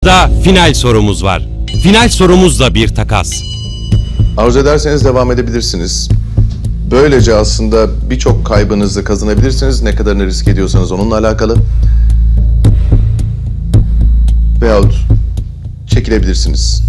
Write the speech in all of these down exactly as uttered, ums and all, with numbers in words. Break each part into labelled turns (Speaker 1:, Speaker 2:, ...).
Speaker 1: Da final sorumuz var. Final sorumuz da bir takas.
Speaker 2: Arzu ederseniz devam edebilirsiniz. Böylece aslında birçok kaybınızı kazanabilirsiniz. Ne kadarını risk ediyorsanız onunla alakalı. Veyahut çekilebilirsiniz.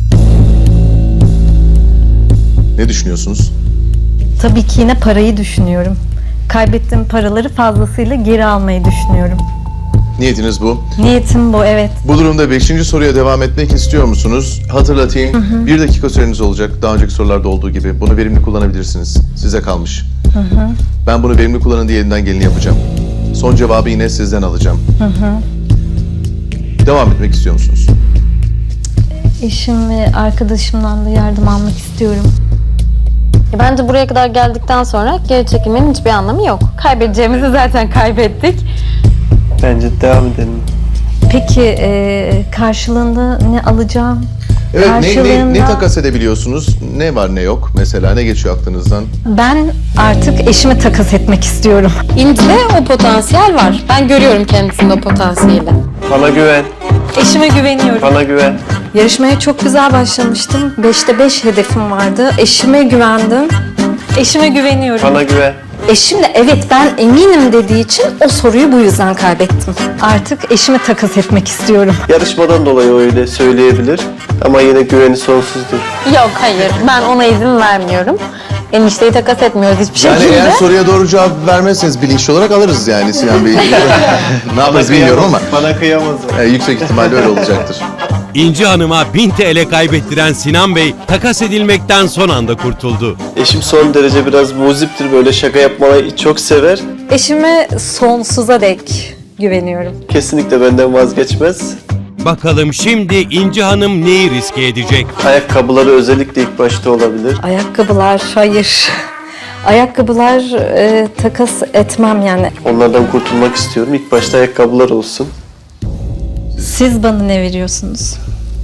Speaker 2: Ne düşünüyorsunuz?
Speaker 3: Tabii ki yine parayı düşünüyorum. Kaybettiğim paraları fazlasıyla geri almayı düşünüyorum.
Speaker 2: Niyetiniz bu.
Speaker 3: Niyetim bu, evet.
Speaker 2: Bu durumda beşinci soruya devam etmek istiyor musunuz? Hatırlatayım. Hı hı. Bir dakika süreniz olacak. Daha önceki sorularda olduğu gibi. Bunu verimli kullanabilirsiniz. Size kalmış. Hı hı. Ben bunu verimli kullanın diye elinden geleni yapacağım. Son cevabı yine sizden alacağım. Hı hı. Devam etmek istiyor musunuz?
Speaker 3: Eşim ve arkadaşımdan da yardım almak istiyorum.
Speaker 4: Bence buraya kadar geldikten sonra geri çekilmenin hiçbir anlamı yok. Kaybedeceğimizi zaten kaybettik.
Speaker 5: Bence devam edelim.
Speaker 3: Peki e, karşılığında ne alacağım?
Speaker 2: Evet, ne, ne,
Speaker 3: Karşılığında-
Speaker 2: ne takas edebiliyorsunuz? Ne var ne yok? Mesela ne geçiyor aklınızdan?
Speaker 3: Ben artık eşimi takas etmek istiyorum.
Speaker 4: İnci'de o potansiyel var. Ben görüyorum kendisinde o potansiyeli.
Speaker 5: Bana güven,
Speaker 3: Eşime güveniyorum.
Speaker 5: bana güven.
Speaker 3: Yarışmaya çok güzel başlamıştım. Beşte beş hedefim vardı. Eşime güvendim. Eşime güveniyorum.
Speaker 5: Bana güven.
Speaker 3: Eşim de evet ben eminim dediği için o soruyu bu yüzden kaybettim. Artık eşimi takas etmek istiyorum.
Speaker 5: Yarışmadan dolayı öyle söyleyebilir ama yine güveni sonsuzdur.
Speaker 4: Yok, hayır. Ben ona izin vermiyorum. Enişteyi takas etmiyoruz hiçbir
Speaker 2: Yani
Speaker 4: şekilde.
Speaker 2: eğer soruya doğru cevap vermezseniz bilinçli olarak alırız yani Sinan Bey. Ne yaparız bilmiyorum ama
Speaker 5: Bana kıyamaz o.
Speaker 2: e, yüksek ihtimalle öyle olacaktır.
Speaker 1: İnci Hanım'a bin T L kaybettiren Sinan Bey takas edilmekten son anda kurtuldu.
Speaker 5: Eşim son derece biraz muziptir, böyle şaka yapmayı çok sever.
Speaker 3: Eşime sonsuza dek güveniyorum.
Speaker 5: Kesinlikle benden vazgeçmez.
Speaker 1: Bakalım şimdi İnci Hanım neyi riske edecek?
Speaker 5: Ayakkabıları özellikle ilk başta olabilir.
Speaker 3: Ayakkabılar hayır. Ayakkabılar e, takas etmem yani.
Speaker 5: Onlardan kurtulmak istiyorum. İlk başta ayakkabılar olsun.
Speaker 3: Siz bana ne veriyorsunuz?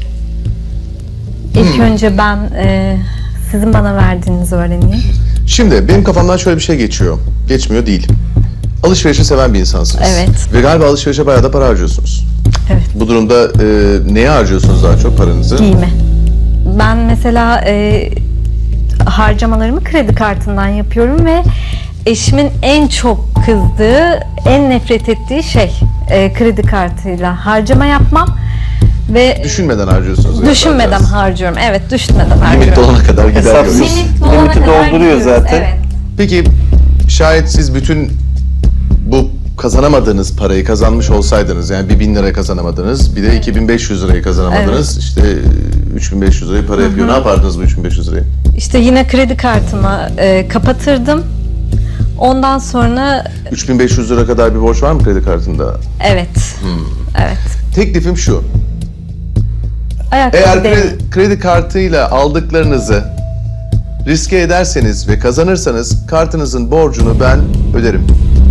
Speaker 3: İlk önce ben e, sizin bana verdiğinizi öğreneyim.
Speaker 2: Şimdi benim kafamdan şöyle bir şey geçiyor. Geçmiyor değil. Alışverişi seven bir insansınız.
Speaker 3: Evet.
Speaker 2: Ve galiba alışverişe bayağı da para harcıyorsunuz.
Speaker 3: Evet.
Speaker 2: Bu durumda e, neye harcıyorsunuz daha çok paranızı?
Speaker 3: Giyime. Ben mesela e, harcamalarımı kredi kartından yapıyorum ve eşimin en çok kızdığı, en nefret ettiği şey e, kredi kartıyla harcama yapmam ve
Speaker 2: Düşünmeden harcıyorsunuz. galiba
Speaker 3: düşünmeden
Speaker 2: biraz.
Speaker 3: harcıyorum. Evet, düşünmeden
Speaker 2: Limit
Speaker 3: harcıyorum.
Speaker 2: dolana kadar gider
Speaker 5: Hesapsız.
Speaker 2: görüyoruz.
Speaker 5: Limiti dolduruyor zaten.
Speaker 3: Evet.
Speaker 2: Peki şayet siz bütün bu kazanamadığınız parayı kazanmış olsaydınız, yani bir bin lira kazanamadınız, bir de iki bin beş yüz lirayı kazanamadınız, işte üç bin beş yüz lirayı para yapıyor. Ne yapardınız bu üç bin beş yüz lirayı?
Speaker 3: İşte yine kredi kartımı e, kapatırdım. Ondan sonra
Speaker 2: üç bin beş yüz lira kadar bir borç var mı kredi kartında?
Speaker 3: evet. Evet.
Speaker 2: Teklifim şu.
Speaker 3: Ayakkabı
Speaker 2: Eğer
Speaker 3: değil.
Speaker 2: kredi, kredi kartıyla aldıklarınızı riske ederseniz ve kazanırsanız kartınızın borcunu ben öderim.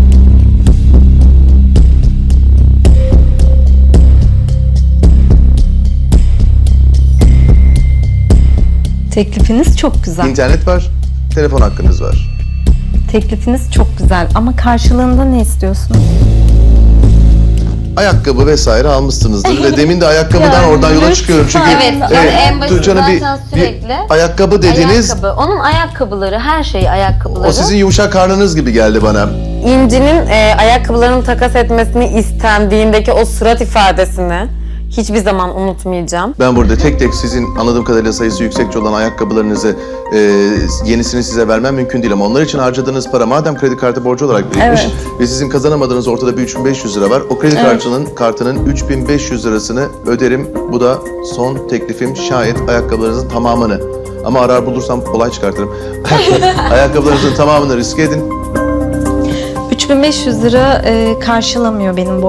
Speaker 3: Teklifiniz çok güzel.
Speaker 2: İnternet var, telefon hakkınız var.
Speaker 3: Teklifiniz çok güzel ama karşılığında ne istiyorsunuz?
Speaker 2: Ayakkabı vesaire almışsınızdır ve demin de ayakkabıdan
Speaker 4: Yani
Speaker 2: oradan yola
Speaker 4: lüks.
Speaker 2: çıkıyorum çünkü
Speaker 4: Evet, yani en başında
Speaker 2: Tuğcan'ın bir,
Speaker 4: zaten
Speaker 2: bir
Speaker 4: sürekli
Speaker 2: ayakkabı dediniz,
Speaker 4: Ayakkabı. Onun ayakkabıları, her şey ayakkabıları.
Speaker 2: o sizin yumuşak karnınız gibi geldi bana.
Speaker 4: İnci'nin e, ayakkabılarını takas etmesini istendiğindeki o surat ifadesini hiçbir zaman unutmayacağım.
Speaker 2: Ben burada tek tek sizin anladığım kadarıyla sayısı yüksekçe olan ayakkabılarınızı e, yenisini size vermem mümkün değil ama onlar için harcadığınız para madem kredi kartı borcu olarak birikmiş
Speaker 3: Evet.
Speaker 2: ve sizin kazanamadığınız ortada bir üç bin beş yüz lira var. O kredi kartının kartının üç bin beş yüz lirasını öderim. Bu da son teklifim, şayet ayakkabılarınızın tamamını, ama arar bulursam olay çıkartırım. Ayakkabılarınızın tamamını riske edin.
Speaker 3: üç bin beş yüz lira e, karşılamıyor benim bu